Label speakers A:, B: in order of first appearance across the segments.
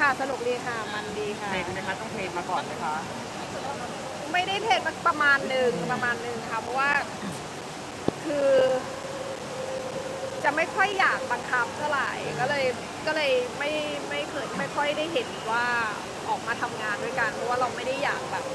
A: สนุกดีค่ะมันดีค่ะ
B: เทรนนะคะต้องเทรนมาก่อนไหมคะ
A: ไม่ได้เทรนประมาณหนึ่งค่ะเพราะว่าคือจะไม่ค่อยอยากบังคับเท่าไหร่ก็เลยไม่ค่อยได้เห็นว่าออกมาทำงานด้วยกันเพราะว่าเราไม่ได้อยากแบบ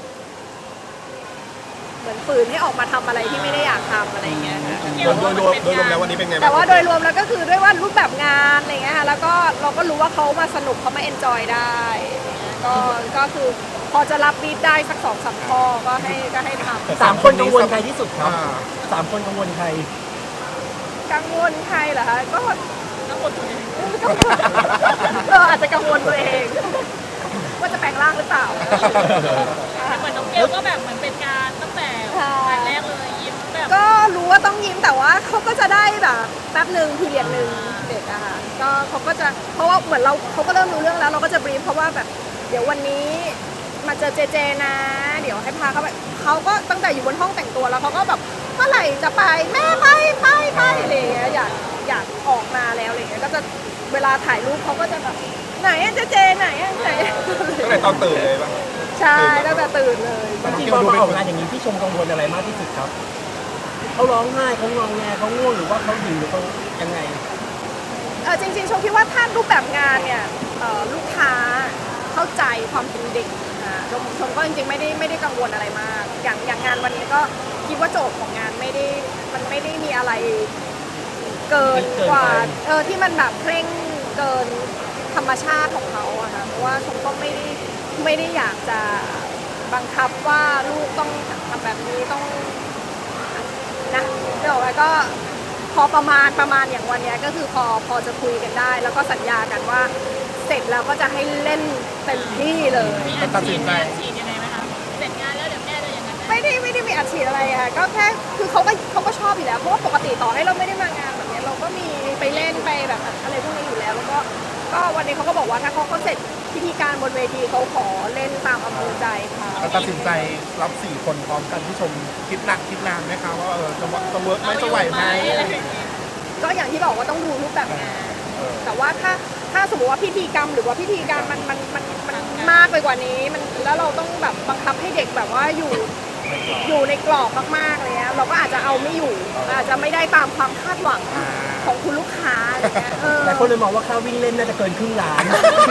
A: เหมือนฝืนให้ออกมาทำอะไรที่ไม่ได้อยากทำอะไรเงี้ยค่ะ
C: โดยรวมแล้ววันนี้เป็นไงบ้าง
A: แต่ว่าโดยรวมแล้วก็คือด้วยว่ารูปแบบงานอะไรเงี้ยค่ะแล้วก็เราก็รู้ว่าเขามาสนุกเขามาเอนจอยได้ก็คือพอจะรับบีทได้สัก2-3 ข้อก็ให้ทำ
D: 3 คนกังวลใครที่สุดครับ3 คนกังวลใคร
A: กังวลใครเหรอคะก็กังวลตัวเองอาจจะกังวลตัวเองว่าจะแปลงร่างหรือเปล่า
E: เหมือนน้องเกลก็แบบเหมือนเป็นการตั้งแต่วันแรกเลยยิ้มแบบ
A: ก็รู้ว่าต้องยิ้มแต่ว่าเขาก็จะได้แบบแป๊บหนึ่งพีเรียดหนึ่งเด็กอะค่ะก็เขาก็จะเพราะว่าเหมือนเขาก็เริ่มรู้เรื่องแล้วเราก็จะบรีฟเพราะว่าแบบเดี๋ยววันนี้มาเจอเจนะเดี๋ยวให้พาเขาไปเขาก็ตั้งแต่อยู่บนห้องแต่งตัวแล้วเขาก็แบบเมื่อไหร่จะไปแม่ไปอะไรอย่างเงี้ยอยากออกมาแล้วอะไรเงี้ยก็จะเวลาถ่ายรูปเขาก็จะแบบไหนเจไหนไหน
C: ตั้งแต่ตอนตื่นเลยป่ะ
A: ใช่ตั้งแต่ตื่นเลย
D: จริงๆพอมาออกงานอย่างนี้พี่ชมกังวลอะไรมากที่สุดครับเขาร้องไห้เขางอแงเขาง่วงหรือว่าเขาหิวหรือเขายังไง
A: จริงๆชมคิดว่าถ้ารูปแบบงานเนี่ยลูกค้าเข้าใจความเป็นเด็กชมก็จริงๆไม่ได้กังวลอะไรมากอย่างงานวันนี้ก็คิดว่าโจทย์ของงานมันไม่ได้มีอะไรเกินกว่าที่มันแบบเคร่งเกินธรรมชาติของเขาอะค่ะเพราะว่าชมก็ไม่ได้อยากจะบังคับว่าลูกต้องทำแบบนี้ต้องนะเดี๋ยวแล้วก็พอประมาณอย่างวันนี้ก็คือพอจะคุยกันได้แล้วก็สัญญากันว่าเสร็จแล้วก็จะให้เล่นเต็มที่เลย
E: มีอัดฉีดยังไงไหมคะเสร็จงานแล้วเดี๋ยวแม่จะยังไง
A: ไม่ได้มีอัดฉีดอะไรค่ะก็แค่คือเขาก็ชอบอยู่แล้วเพราะว่าปกติต่อให้เราไม่ได้มางานแบบนี้เราก็มีไปเล่นไปแบบอะไรพวกนี้อยู่แล้วแล้วก็วันนี้เขาก็บอกว่าถ้าเขาเสร็จพิธีการบนเวทีเขาขอเล่นตามอำเภอใจค่ะ
C: ตัดสินใจรับ4 คนพร้อมกันที่ชมคิดหนักคิดนานไหมคะว่าจะเวิร์กไหมจะไหวไหม
A: ก็อย่างที่บอกว่าต้องดูรูปแบบงานแต่ว่าถ้าสมมติว่าพิธีกรรมหรือว่าพิธีการมันมากไปกว่านี้มันแล้วเราต้องแบบบังคับให้เด็กแบบว่าอยู่ในกรอบมากๆเลยนะเราก็อาจจะเอาไม่อยู่อาจจะไม่ได้ตามความคาดหวังของคุณลูกค้าอะไรเงี้ย
D: แต่คนเลยมองว่าค่าวิ่งเล่นน่าจะเกินครึ่งล้าน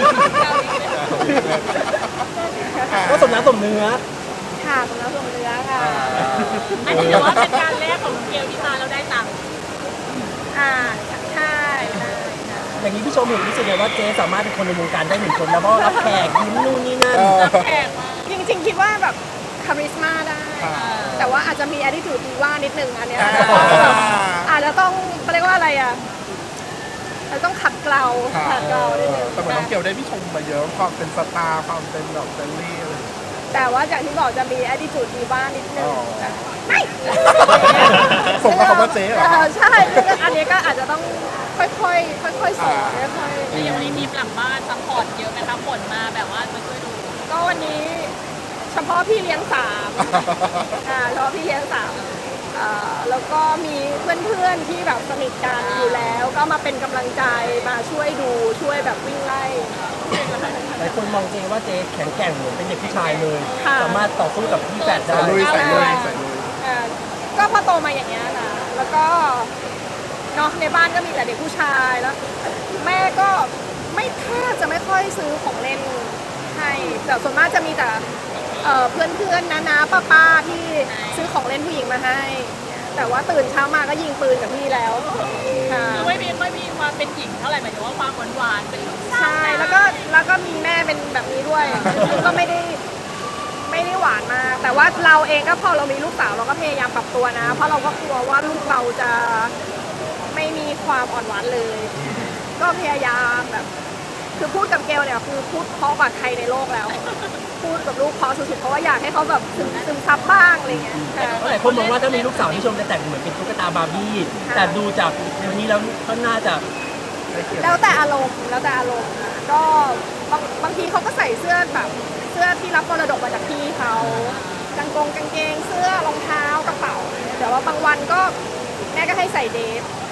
D: ก็สมน้ำสมเนื้อ
A: ค่ะสมน้ำสมเนื้อค่ะ
E: อันนี้ถือว่าเป็นการแรกของเกลที่มาแล้วได้ตังค์
A: ใช่
D: อย่างนี้พี่ชมเห็นรู้สึกไงว่าเจ๊สามารถเป็นคนในวงการได้1 คนแล้วก็รับแขกยิ้มนู่นนี่นั่น
E: แขกมา
A: จริงๆคิดว่าแบบคาริสมาได้แต่ว่าอาจจะมี attitude ดีว่านิดนึงอันเนี้ยอาจจะต้องเรียกว่าอะไรอ่ะเราต้องขัดเกลานิดนึง
C: แต่เหมือนน้องเกียวได้พี่ชมมาเยอะความเป็นสตาร์ความเป็นแบบเฟรนลี่อะไร
A: แต่ว่าอย่างที่บอกจะมี attitude ดีว่านิดนึงไม่
C: ส่งมาคำว่าเจ๊เหรอ
A: ใช่อันนี้ก็อาจจะต้องค่อยๆสอนค่อยๆ
E: แล้วอย่างวันนี้ทีมหลังบ้านซัพพอร์ตเยอะไหมคะผลมาแบบว่ามาช่วยดู
A: ก็วันนี้เฉพาะพี่เลี้ยง3เฉพาะพี่เลี้ยง3แล้วก็มีเพื่อนๆที่แบบสนิทกันอยู่แล้วก็มาเป็นกำลังใจมาช่วยดูช่วยแบบวิ่งไล่
D: หลายคนมองเจ๊ว่าเจ๊แข็งแกร่งเหมือนเป็นเด็กผู้ชายเลยสามารถต่อสู้กับพี่แฝดได้
C: ใส่ลุย
A: ก็พอโตมาอย่างเงี้ยนะแล้วก็เนาะในบ้านก็มีแต่เด็กผู้ชายแล้วแม่ก็แทบจะไม่ค่อยซื้อของเล่นให้แต่ส่วนมากจะมีแต่เพื่อนน้าป้าที่ซื้อของเล่นผู้หญิงมาให้แต่ว่าตื่นเช้ามาก็ยิงปืนกับพี่แล้ว
E: คือไม่มีความเป็นหญิงเท่าไหร่หมายถึงว่าความหวานเป็นลูก
A: ใช่แล้วก็มีแม่เป็นแบบนี้ด้วยก็ไม่ได้หวานมากแต่ว่าเราเองก็พอเรามีลูกสาวเราก็พยายามปรับตัวนะเพราะเราก็กลัวว่าลูกเราจะไม่มีความอ่อนหวานเลยก็พยายามแบบคือพูดกับเกลเนี่ยคือพูดเพราะกว่าใครในโลกแล้วพูดกับลูกเพราะสุดๆเพราะว่าอยากให้เขาแบบซึมซับบ้างอะไรเงี้ย
D: หลายคนมองว่าถ้ามีลูกสาวที่ชมจะแต่งเหมือนเป็นตุ๊กตาบาร์บี้แต่ดูจากวันนี้แล้วก็น่าจะ
A: แล้วแต่อารมณ์ก็บางทีเขาก็ใส่เสื้อแบบเสื้อที่รับมรดกมาจากพี่เขากางเกงเสื้อรองเท้ากระเป๋าแต่ว่าบางวันก็แม่ก็ให้ใส่เดฟ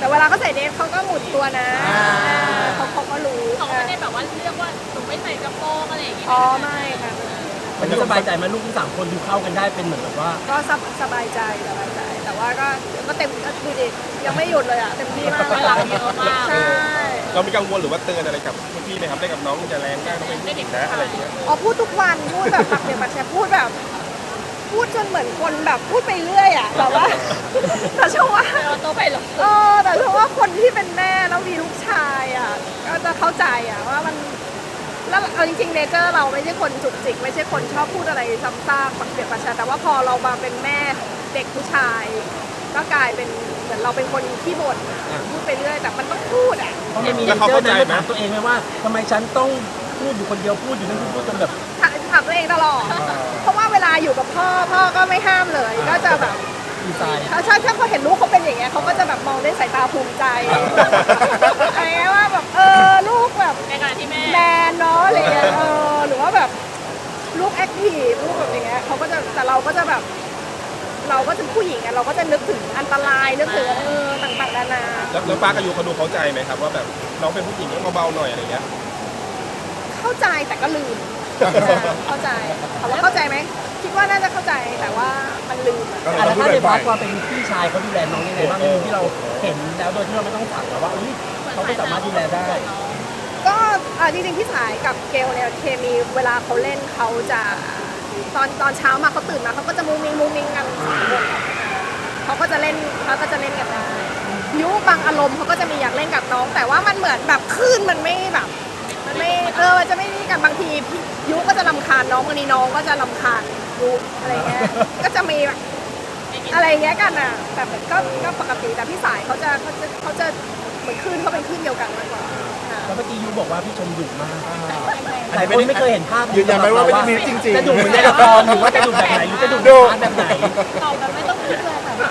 A: แต่เวลาเขาใส่เดรสเขาก็หมุนตัวนะเขาก็รู้
E: เขาไม่ได้แบบว่าเรียกว่าหนูไม่ใส่กระโปรงอะไรอย่างเงี้ย
A: อ๋อไม่ค่ะ
D: วันนี้สบายใจไหมาลูกทั้ง3 คนดูเข้ากันได้เป็นเหมือนแบบว่า
A: ก็สบายใจแต่ว่าก็เต็มดูดิยังไม่หยุดเลยอ่ะเต็มที่มาก
E: พลังเยอะมาก
A: ใช่
C: เรามีกังวลหรือว่าเตือนอะไรกับพี่ไหมครับได้กับน้องจะแรงได้ต้องเป็นผู้หญิงนะอะไรอย่างเงี้ย
A: อ๋อพูดทุกวันพูดแบบปากเปียกปากแฉะพูดแบบพูดจนเหมือนคนแบบพูดไปเรื่อยอ่ะแบบว่า แต่เชื่อว่า
E: เราโตไปหรอก
A: แต่เชื่อว่าคนที่เป็นแม่แล้วมีลูกชายอ่ะก็จะเข้าใจอ่ะว่ามันแล้วเอาจริงๆเนเจอร์เราไม่ใช่คนจุกจิกไม่ใช่คนชอบพูดอะไรซ้ำซากปากเปียกปากแฉะแต่ว่าพอเรามาเป็นแม่เด็กผู้ชาย ก็กลายเป็นเหมือนเราเป็นคนขี้บ่นพูดไปเรื่อยแต่มันต้องพูดอ่ะ
D: เพราะมันมีเจอร์นั้นถามตัวเองไหมว่าทำไมฉันต้องพูดอยู่คนเดียวพูดอยู่นั่นพูดจนแบบ
A: ถามตัวเองตลอด เพราะว่าเวลาอยู่กับพ่อก็ไม่ห้ามเลย ก็จะแบบ
D: ดีไซน์
A: ถ้าเขาเห็นลูกเขาเป็นอย่างเงี้ยเขาก็จะแบบมองด้วยสายตาภูมิใจอะไรเงี้ยว่าแบบลูกแบบ
E: ในขณะที่แม่
A: แมนเนาะอะไรเงี้ยหรือว่าแบบลูกแอคทีฟลูกแบบอย่างเงี้ยเขาก็จะแต่เราก็จะแบบ เราก็จะผู้หญิงอะเราก็จะนึกถึงอันตรายนึกถึงต่างๆนานา
C: แล้วป้ากับยูเขาดูเข้าใจไหมครับว่าแบบน้องเป็นผู้หญิงต้องเบาๆหน่อยอะไรเงี้ย
A: เข้าใจแต่ก็ลืมเข้าใจถามว่าเข้าใจไหมคิดว่าน่าจะเข้าใจแต่ว่ามันลืมอะ
D: แล้วถ้าในพาร์ทความเป็นพี่ชายเขาดูแลน้องยังไงบ้างในมุมที่เราเห็นแล้วโดยที่เราไม่ต้องสั่งแต่ว่าเขาก็สามารถดูแลได้
A: ก็จริงๆพี่สายกับเกลเนี่ยเคมีเวลาเขาเล่นเขาจะตอนเช้ามาเขาตื่นมาเขาก็จะมุ้งมิ้งกัน3 คนเขาก็จะเล่นกันได้ยุบางอารมณ์เขาก็จะมีอยากเล่นกับน้อง แต่ว่ามันเหมือนแบบคลื่นมันไม่แบบมันไม่มันจะไม่นี่กันบางทียุก็จะรำคาญน้องบางทีน้องก็จะรำคาญยุอะไรเงี้ยก็จะมีแบบอะไรเงี้ยกันอ่ะแต่ก็ปกติแต่พี่สายเขาจะเหมือนคลื่นเขาเป็นคลื่นเดียวกันมากกว่าค่ะ
D: แล้วเมื่อกี้ยูบอกว่าพี่ชมดุมากหลายคนไม่เคยเห็นภาพ
C: ยืนยันไหมว่าไม่ได้มีจริงๆ
D: จะดุเหมือนในละครหรือว่าจะดุแบบไหนหรือจะดุแบบไหน
A: ตอบแบบไม่ต้องคิดเลยค่ะ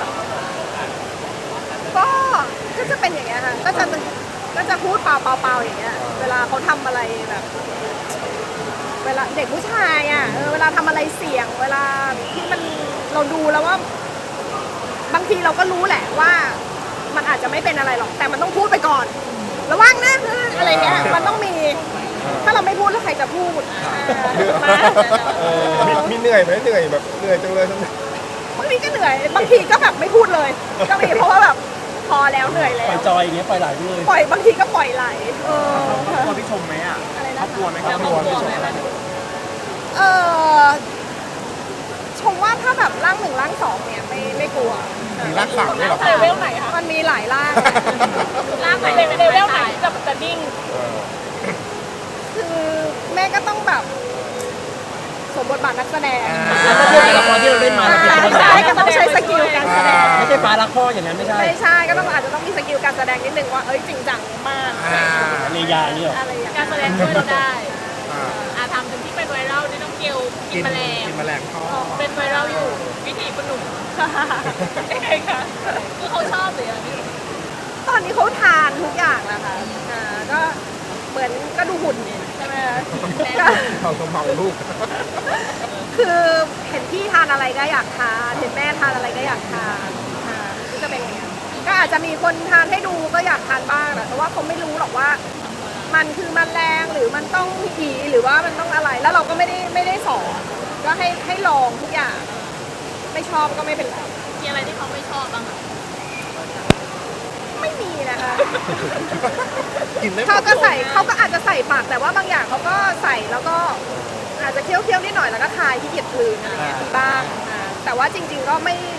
A: ก็จะเป็นอย่างเงี้ยค่ะก็จะพูดเปล่าอย่างเงี้ยเวลาเขาทำอะไรแบบ เวลาเด็กผู้ชายอ่ะเวลาทำอะไรเสี่ยงเวลาที่มันเราดูแล้วว่า บางทีเราก็รู้แหละว่า มันอาจจะไม่เป็นอะไรหรอกแต่มันต้องพูดไปก่อน ระวังนะอะไรเงี้ยมันต้องมี ถ้าเราไม่พูดแล้วใครจะพูด
C: มีเหนื่อยไหมเหนื่อยแบบเหนื่อยจังเลย
A: บางทีก็เหนื่อยบางทีก็แบบไม่พูดเลย ก็มีเพราะว่าแบบพอแล้วเหนื่อยแล้
D: ปล่อยว จอยอย่างเงี้ยปล่อยไหลไปเลย
A: ปล่อยบางทีก็ปล่อยไหลค่ะ
B: กลัวพี่ชมไหมอ่ะ
A: อะไร
B: คร
A: นะ
B: อบครัวไหมค
E: แล้
B: รั
E: ว
B: บ
E: ครอบครัวไหม
A: ชมว่าถ้าแบบร่าง 1ร่าง 2เนี่ยไม่กลัว
C: มีรักสามด้วยเหรอ
A: เลเวลไหนคะมันมีหลายร่าง
E: ร่างไหนเลเวลไหนจะนิ่ง
A: คือแม่ก็ต้องแบบสมบทบาทนักแสดง
D: แล้วก็เทียบกับละครที่เราเล่นมาเราเปรียบเทียบ
A: ใช่ก็ต้องใช้สกิลการแสดง
D: ไม่ใช่ฟ้ารักพ่ออย่างนั้นไม่ใช่
A: ไม่ใช่ก็ต้องอาจจะต้องมีสกิลการแสดงนิดนึงว่าจริงจังมาก
D: เนยาเนี่ยหรอ
A: อะไรอย่าง
E: การ
A: เงี้ย
E: แสดงช่วยเราได้ทำถึงที่เป็นไวรัลนี่ต้องเกลกินแมลง
C: กินแมลงทอด
E: เป็นไวรัลอยู่วิธีคุณหนุ่มยังไงคะคือเขาชอบหรืออะไร
A: ตอนนี้เขาทานทุกอย่างแล้วค่ะก็เหมือนก็ดูหุ่นใช่ไหมคะก็
C: เขาสมองลูก
A: คือเห็นพี่ทานอะไรก็อยากทานเห็นแม่ทานอะไรก็อยากทานก็จะเป็นอย่างเงี้ยก็อาจจะมีคนทานให้ดูก็อยากทานบ้างแต่ว่าเขาไม่รู้หรอกว่า มันคือมันแรงหรือมันต้องผีหรือว่ามันต้องอะไร แล้วเราก็ไม่ได้สอนก็ให้ลองทุกอย่าง ไม่ชอบก็ไม่เป็นไร
E: มีอะไรที่เขาไม่ชอบบ้างคะ
A: ไม่มีนะคะ
C: กินได้หม
A: เขา
C: ด
A: ก็ใส่เขาก็อาจจะใส่ปากแต่ว่าบางอย่างเขาก็ใส่แล้วก็อาจจะเคี้ยวนิดหน่อยแล้วก็คายที่เกียจคืนอะไรเงี้ยมีบ้างแต่ว่าจริง ๆก็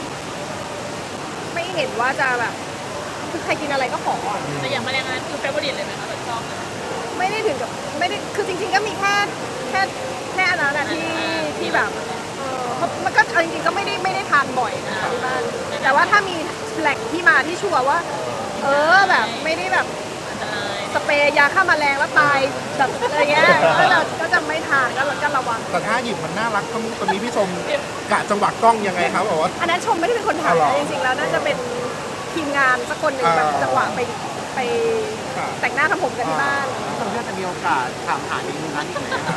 A: ไม่เห็นว่าจะแบบคือใครกินอะไรก็ขอ
E: แต่อย่างแมลงนั้นคือเฟเวอร์ริตเลยไหมคะแบบชอบ
A: ไม่ได้ถึงกับไม่ได้คือจริงๆก็มีแค่อันนั้นนะที่แบบมันก็เอาจริงๆก็ไม่ได้ทานบ่อยนะที่บ้านแต่ว่าถ้ามีแหล่งที่มาที่ชัวร์ว่าแบบไม่ได้แบบสเปรย์ยาฆ่าแมลงแล้วตายแบบอะไรเงี้ยก็จะไม่ทานก็ระวัง
C: แต่ถ้าหยิบมันน่ารักตรงนี้พี่ชมกะจังหวะกล้องยังไงครับบอกว่า
A: อันนั้นชมไม่ได้เป็นคนถ่าย
C: อ๋อเหรอ
A: นะจริงๆแล้วน่าจะเป็นทีมงานสักคนหนึ่งแบบจังหวะไปแต่งหน้าทำผมกันที่บ้าน
B: พี่ชมจะมีโอกาสถามหาเมนูนั้นอีกไหมครับ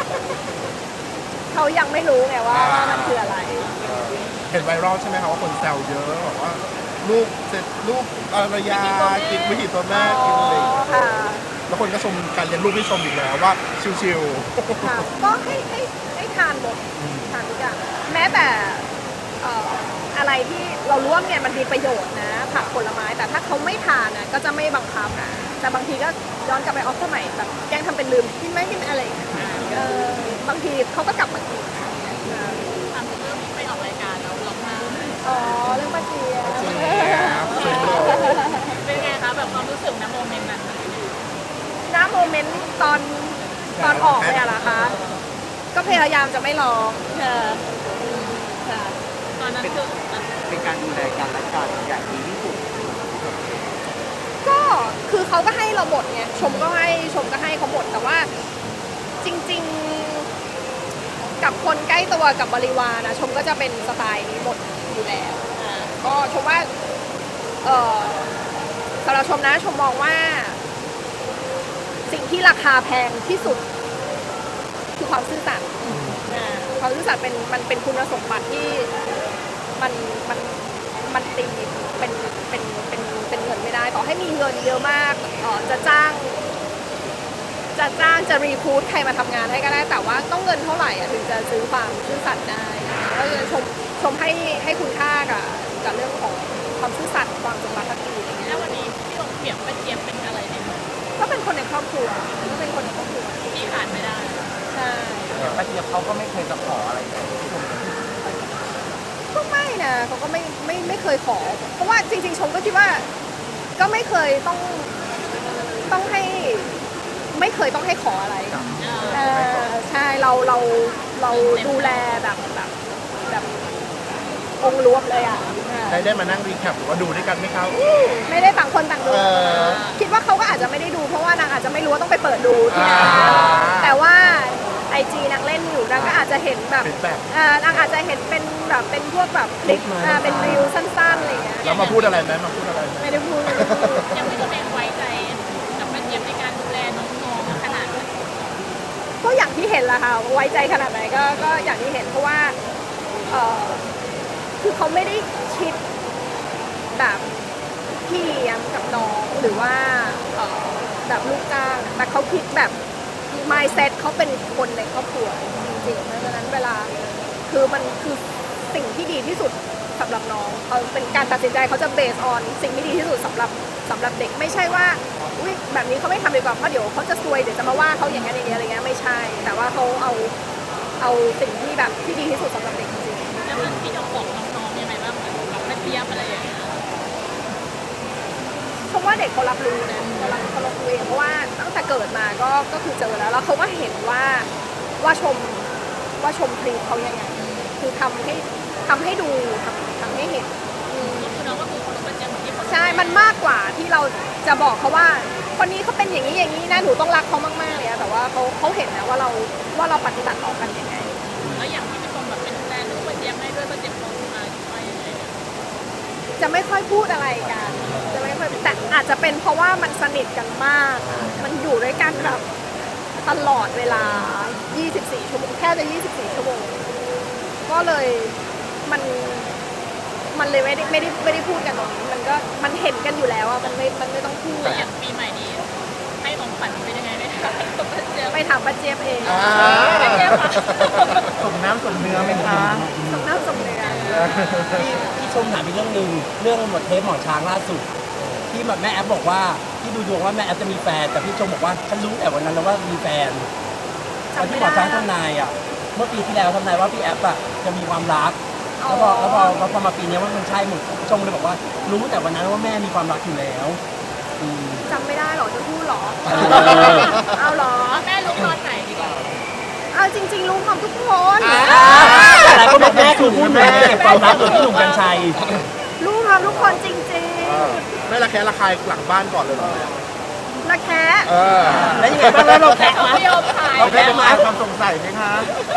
A: เขายังไม่รู้ไงว่ามันคืออะไร
C: เห็นไวรัลใช่ไหมครับว่าคนแซวเยอะบอกว่าลูกเสร็จลูกภรรยากินวิถีตัวแม่กินอะไรอย่างเงี้ย
A: ค่ะ
C: แล้วคนก็ชมการเลี้ยงลูกที่ชมอีกแล้วว่าชิว
A: ค่ะก็ให้ทานหมดทานทุกอย่างแม้แต่อะไรที่เรารู้ว่าเนี่ยมันมีประโยชน์นะผักผลไม้แต่ถ้าเขาไม่ทานนะก็จะไม่บังคับนะแต่บางทีก็ย้อนกลับไปออฟสมัยแบบแกล้งทำเป็นลืมกินไหมกินอะไรอย่างเงี้ยบางทีเขาก็กลับมากิน
E: ทำเรื่องไปออกรายการแล้วร้องไห้
A: อ๋อเรื่องป้าเจีย
C: ๆเจี๊ยบเจี๊ยบเลย
E: เป็นไงคะแบบความรู้สึกนะโมเมนต์นั้น
A: ณโมเมนต์ตอนออกเนี่ยเหรอคะก็พยายามจะไม่ร้องค่ะ
E: ตอนนั้นคือ
B: เป็นการดูแลกันและกันอย่างดีที่สุด
A: ก็คือเขาก็ให้เราหมดไงชมก็ให้เขาหมดแต่ว่าจริงๆกับคนใกล้ตัวกับบริวารนะชมก็จะเป็นสไตล์นี้หมดอยู่แล้วก็ชมว่าสำหรับชมนะชมมองว่า สิ่งที่ราคาแพงที่สุดคือความซื่อสัตย์ความซื่อสัตย์มันเป็นคุณสมบัติที่มันตีเป็นเงินไม่ได้ต่อให้มีเงินเยอะมากจะจ้างจะรีคูดใครมาทำงานให้ก็ได้แต่ว่าต้องเงินเท่าไหร่ถึงจะซื้อความซื่อสัตย์ได้ก็เลยชมให้คุณค่ากับเรื่องของความซื่อสัตย์ความจงรักภักดีอะไรเงี้ย
E: แล้ววันนี้ที่ลงเปรียบป้าเจี๊ยบเป็นอะไรในมือ
A: ก็เป็นคนในครอบครัวก็เป็นคนในครอบครัว
E: ที่ขาดไม่ได้
A: ใช่
B: ป้าเจี๊ยบเขาก็ไม่เคยจะขออะไรเลย
A: ก็ไม่นะเขาก็ไม่เคยขอ เพราะว่าจริงๆชมก็คิดว่าก็ไม่เคยต้องให้ไม่เคยต้องให้ขออะไรใช่เราดูแลแบบองค์รวมเลยอ่ะ
C: ได้มานั่งรีแคปหรือว่าดูด้วยกันไหมครับ
A: ไม่ได้ต่างคนต่างดู
C: เออ
A: คิดว่าเขาก็อาจจะไม่ได้ดูเพราะว่านางอาจจะไม่รู้ว่าต้องไปเปิดดูที่ไหนแต่ว่าIG นางเล่นอยู่นางก็อาจจะเห็นแบบ
C: feedback
A: นางอาจจะเห็นเป็นแบบเป็นพวกแบบคลิปเป็นรีวสั้นๆอะไรอย่างเงี้ย
C: แล้วมาพูดอะไรไหมมาพูดอะไรไหม
A: ไม่ได้พูด
E: ยังไม่ได้แบ่งไว้ใจกับป้าเจี๊ยบในการดูแลน้องๆขนาดนั้น
A: ก็อย่างที่เห็นแหละค่ะไว้ใจขนาดไหนก็อย่างที่เห็นเพราะว่าคือเขาไม่ได้คิดแบบพี่เลี้ยงกับน้องหรือว่าแบบลูกจ้างแต่เขาคิดแบบ mindset เขาเป็นคนในครอบครัวจริงๆเพราะฉะนั้นเวลาคือมันคือสิ่งที่ดีที่สุดสำหรับน้องเขาเป็นการตัดสินใจเขาจะ based on สิ่งที่ดีที่สุดสำหรับเด็กไม่ใช่ว่าอุ๊ยแบบนี้เขาไม่ทำดีกว่าเพราะเดี๋ยวเขาจะซวยเดี๋ยวจะมาว่าเขาอย่างนั้นอย่างนี้อะไรเงี้ยไม่ใช่ แต่ว่าเขาเอาสิ่งที่แบบที่ดีที่สุดสำหรับเด็กจริง
E: แล้วมันพี่จะบอกน้องๆยังไงบ้างแบบป้าเจี๊ยบอะไรอย่างเงี้ย
A: เพราะว่าเด็กเขารับรู้นะเขารับรู้เองเพราะว่าตั้งแต่เกิดมาก็คือเจอแล้วเขาก็เห็นว่าชมทรีตเขายังไงคือทำให้ดูทำให้เห็น
E: คือน้องก็คือคนป้าเจี๊ยบเหมือนที่เขา
A: ใช่มันมากกว่าที่เราจะบอกเขาว่าคนนี้เขาเป็นอย่างนี้นะหนูต้องรักเขามากๆเลยแต่ว่าเขาเห็นนะว่าเราปฏิบัติต่อกันยังไง
E: แล้วอย่างที่พี่ชมแบบเป็นแฟนลูกป้าเจี๊ยบให้ด้วยป้าเจี๊ยบเขามาว่ายังไงเนี่ย
A: จะไม่ค่อยพูดอะไรกันจะไม่ค่อยแต่อาจจะเป็นเพราะว่ามันสนิทกันมาก มันอยู่ด้วยกันแบบตลอดเวลา 24 ชั่วโมงแค่จะ 24 ชั่วโมงก็เลยมันเลยไม่ได้พูดกันตรงนี้มันเห็นกันอยู่แล้วอะมันไม่ต้องพูด
E: แล้วอย่างปีใหม่นี้ให้ของขวัญเป็นยังไงไหมคะป้าเจี๊ยบ
A: ไปถามป้าเจี๊ยบเอง
E: ป้าเจี๊ยบค่ะ
B: สมน้ำสมเนื้อไหมคะ
A: สำนักสำเนียง
D: ที่ชมถามอีกเรื่องหนึ่งเรื่องหมดเทปหมอช้างล่าสุด ที่แบบแม่แอฟบอกว่าที่ดูดวงว่าแม่แอฟจะมีแฟนแต่พี่ชมบอกว่าฉันรู้แต่วันนั้นแล้วว่ามีแฟนตอนที่หมอช้างทำนายอ่ะเมื่อปีที่แล้วทำนายว่าพี่แอฟอ่ะจะมีความรักแล้วพอมาปีนี้ว่ามันใช่หมดชมเลยบอกว่ารู้แต่วันนั้นว่าแม่มีความรักอยู่แล้วอืม
A: จำไม่ได้หรอจะพูดหรอ เอาหรอ
E: แม่รู้ตอนไหนดีกว่า
A: เอาจริงๆรู้ความทุกคน
D: แต่หลายคนบอกแม่คือพูดเหมือนเก็บความลับโดยพี่หนุ่มกัญชัย
A: รู้ความทุกคนจริง
C: ไม่ระแคะระคายหลังบ้านก่อนเลยเหรอ
A: ๆนะแค่
D: แล้วยังไงบ้างแล้วเราแท็ก
E: เขา
D: มา
E: ไม่ยอมขาย
B: เราได้มาความสงสัยไหมคะ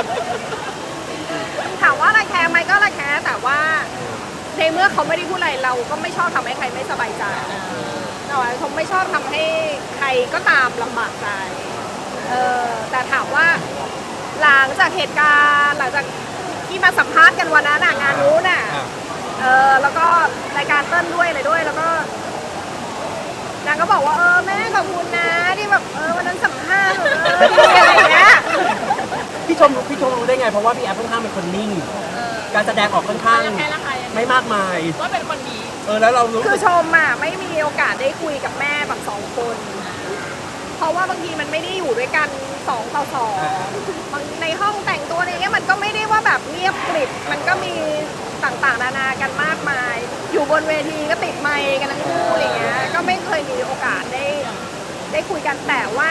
A: ถามว่าระแคะไหมก็ระแคะแต่ว่าในเมื่อเขาไม่ได้พูดอะไรเราก็ไม่ชอบทำให้ใครไม่สบายใจแต่ว่าผมไม่ชอบทำให้ใครก็ตามลำบากใจแต่ถามว่าหลังจากเหตุการณ์หลังจากที่มาสัมภาษณ์กันวันนั้นงานนู้นแล้วก็รายการเต้นด้วยอะไรด้วยแล้วก็นางก็บอกว่าแม่ขอบคุณนะที่แบบวันนั้นสัมภาษณ์ดีอะไรอย่างเงี้ย
D: พี่ชมรู้ได้ไงเพราะว่าพี่แอฟค่อนข้างเป็นคนนิ่ง การแสดงออกค่อนข้าง
E: แค่ละใคร
D: ไม่มากมาย
E: ว่าเป็นคนดี
D: แล้วเรารู้
A: คือชมอ่ะไม่มีโอกาสได้คุยกับแม่แบบ2 คน เพราะว่าบางทีมันไม่ได้อยู่ด้วยกัน2 ต่อ 2บางในห้องแต่งตัวอะไรเงี้ยมันก็ไม่ได้ว่าแบบเงียบกริบมันก็มีต่างๆนานากันมากมาย อยู่บนเวทีก็ติดไมค์กันทั้งคู่อะไรเงี้ยก็ไม่เคยมีโอกาสได้คุยกันแต่ว่า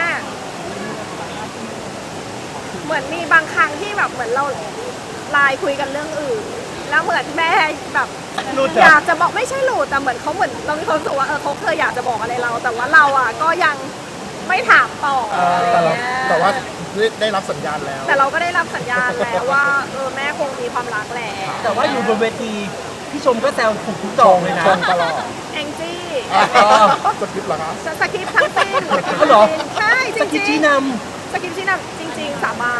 A: เหมือนมีบางครั้งที่แบบเหมือนเราไลน์คุยกันเรื่องอื่น แล้วเหมือนแม่แบบ
D: รู้
A: อยากจะบอกไม่ใช่หลุดแต่เหมือนเขาเหมือนเรามีความรู้สึกว่าเขาเคยอยากจะบอกอะไรเรา แต่ว่าเราอ่ะก็ยังไม่ถามต่ออะไร
C: แต่เรา
A: เงี้ย
C: แต่ว่าได้รับสัญญาณแล้ว
A: แต่เราก็ได้รับสัญญาณแล้วว่าแม่คงมีความรักแหละ
D: แต่ว่าอยู่บนเวทีพี่ชมก็แซวถูกทุกดอกเลยนะ
C: ชมตลอด
A: แองจี้
C: สคริปต์เหรอคะ
A: สคริปต์ทั้งสิ้น
D: ก็เหรอ
A: ใช่จ
D: สกิ
A: ริ
D: ป
A: ง
D: ชี้น
A: ๆสคริปต์ชี้นำจริง ๆ สาบาน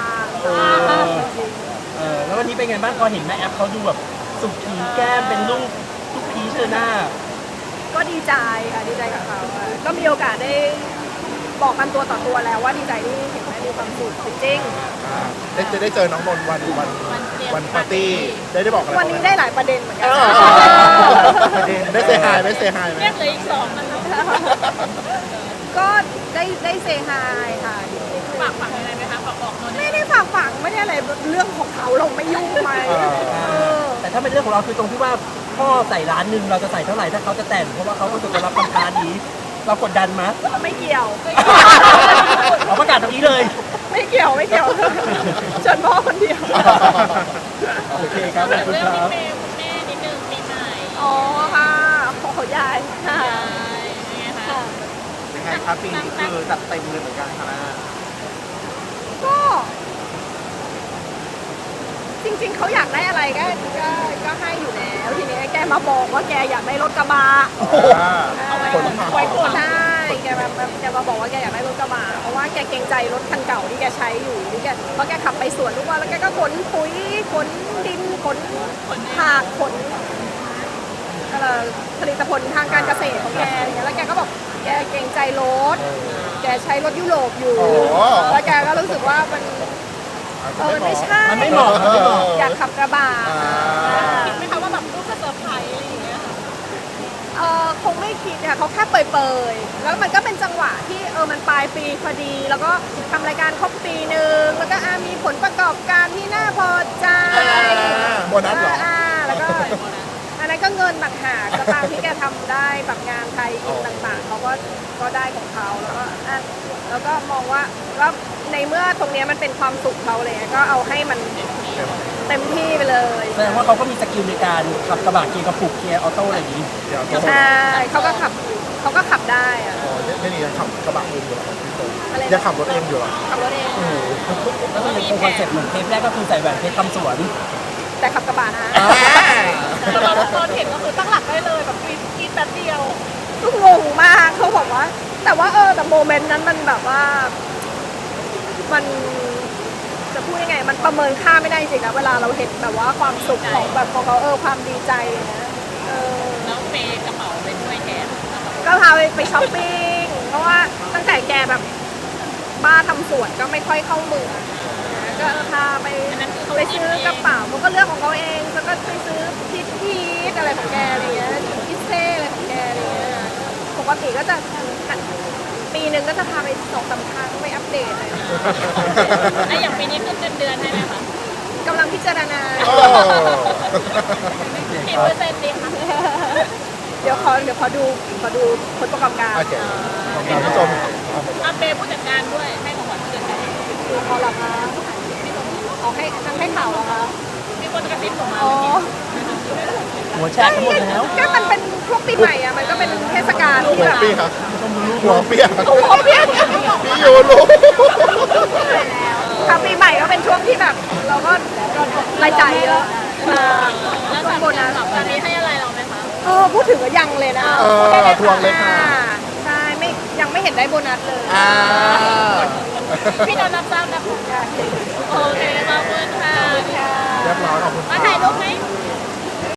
D: แล้ววันนี้เป็นไงบ้างพอเห็นแม่แอฟเขาดูแบบสุขีแก้มเป็นลูกพีชเลยหน้า
A: ก็ดีใจค่ะดีใจกับเขาค่ะก็มีโอกาสได้บอกกันตัวต่อตัวแล้วว่าดีใจที่เห็นแม่มีความสุขจริง
C: ได้เจอน้องนนท์วันปาร์ตี้ได้บอกอะไร
A: ๆวันนี้ได้หลายประเด็นเหมือนกัน
C: ได้เซฮายไหมเซฮายไหม
E: เรียกเหลืออีก2นะคะ
A: ก็ได้เซฮายค่ะ
E: ฝากอะไรไหมคะฝากบอกนนท์
A: ไม่ได้ฝากฝังไม่ได้อะไรเรื่องของเขาเราไม่ยุ่งไหมอ
D: แต่ถ้าเป็นเรื่องของเราคือตรงที่ว่าพ่อใส่ร้านหนึ่งเราจะใส่เท่าไหร่ถ้าเขาจะแต่งเพราะว่าเขารู้สึกว่ารับคำท้านี้เรากดดันมั้ย
A: ไม่เกี่ยว
D: เราประกาศตรงนี้เลย
A: ไม่เกี่ยวเชิญพ่อคนเดียว
D: โอเคครับขอบคุณ
E: เรื่อง
D: ครับ
E: พี่เมย์คุณแม่นิดนึงปีใหม่
A: อ๋อค่ะโอ้โหยายค่ะ
E: ยังไงคะ
A: ค่ะ
B: ยังไงครับปีนี้คือจัดเต็มเลยเหมือนกันค่ะแม่
A: ก็จริงๆเขาอยากได้อะไรก็ให้อยู่แล้วทีนี้แกมาบอกว่าแกอยากได้รถกระบะ
C: ผลผ่า
A: ไว้ก่อนได้แกมาบอกว่าแกอยากได้รถกระบะเพราะว่าแกเกรงใจรถคันเก่าที่แกใช้อยู่ที่แกเพราะแกขับไปสวนทุกวันแล้วแกก็ขนปุ๋ยขนดินขนผักขนผลิตผลทางการเกษตรของแกอย่างเงี้ยแล้วแกก็บอกแกเกรงใจรถแกใช้รถยุโรปอยู่แล้วแกก็รู้สึกว่ามันไม่ใช่
D: มันไม่เหมาะมันไม่เหมาะ
A: อยากขับกระบะ
E: คิดไหมคะว่าแบบลูกจะเซอร์ไพรส์อะไรอย่างเงี้ยค่ะ
A: คงไม่คิดค่ะเขาแค่เปยๆแล้วมันก็เป็นจังหวะที่มันปลายปีพอดี แล้วก็ทำรายการครบปีหนึ่งแล้วก็มีผลประกอบการที่น่าพอใจ
C: โบนัสเหรอ
A: แล้วก็อันนั้นก็เงินต่างหากสตางค์ที่แกทำได้แบบงานไทยกินต่างๆเขาก็ได้ของเขาแล้วก็มองว่าในเมื่อตรงเนี้ยมันเป็นความสุขเขาเลยก็เอาให้มันเต็มที่ไปเลย
D: แสดงว่าเขาก็มีสกิลในการขับกระบะเกียร์กระปุกเกียร์ออโต้อะไรอย่างนี้
A: ใช่เขาก็ขับได้อะ
C: ไม่นี่ยังขับกระบะเองอยู่เหรอ
A: อะไร
C: ยังขับรถเองอยู่เหรอ
A: ขับรถเอง
D: แล้วก็ยังคงคอนเซ็ปต์เหมือนเทปแรกก็คือใส่แหวนเพชรทำสวน
A: แต่ขับกระบะนะ
E: แต่เราตอนเห็นก็คือตั้งหลักได้เลยแบบกินแป๊บเดียว
A: ก็งงมากเขาบอกว่า แต่ว่าแต่โมเมนต์นั้นมันแบบว่ามันจะพูดยังไง มันประเมินค่าไม่ได้จริงนะเวลาเราเห็นแบบว่าความสุขของแบบของเขาความดีใจนะ
E: แล้วเมย์กระเป๋าไปด้วยแทน
A: ก็พาไปช้อปปิ้งเพราะว่าตั้งแต่แกแบบบ้าทำสวนก็ไม่ค่อยเข้าเมืองนะก็พาไปซื้อกระเป๋ามันก็เลือกของเขาเองแล้วก็ไปซื้อพีทอะไรของแกอะไรเงี้ยพิเซ่อะไรของแกอะไรเงี้ยปกติก็จะปีหนึ่งก็จะพาไป2-3 ครั้งไปอัปเดตเลย
E: ไอ้อย่างปีนี้ขึ้นเดือนให้ไหมคะ
A: กำลังพิจารณา
E: กี่เปอร์เซ็นต์ดีคะ
A: เดี๋ยวขอดูผลประกอบการ
C: โอเคขอบคุณผู้ชม
E: อาเปย์ผู้จัดการด้วยให้ของขวัญผู้จัดการ
A: ดูเขาเหรอคะเอาให้ทั้งให้ข่าวเหรอคะ
E: มีคนกระซิบผมมา
A: อ๋อ
D: หัวแชร์ทั้งหมดแล้ว
A: ก็มันเป็นช่วงปีใหม่อะมันก็เป็นเทศกาลที่
C: หัว
A: แบบ
C: เปียกหัวเปียก
A: หัวเปียก
C: พี่ยูรู้
A: ค่ะปีใหม่ก็เป็นช่วงที่แบบ เราก็รายจ่ายเยอะ
E: แล้ว
A: ช่วงโบนัส
E: ตอนนี้ให้อะไรเราไหมคะ
A: พูดถึงก็ยังเลยนะ
C: ทวงเลยค่ะ
A: ใช่ยังไม่เห็นได้โบนัสเลย
E: พี่นนท์รับทราบนะคะโอเคขอบคุณค่ะ
C: เรียบร้อยขอบคุณ
E: มาถ่ายรูปไหม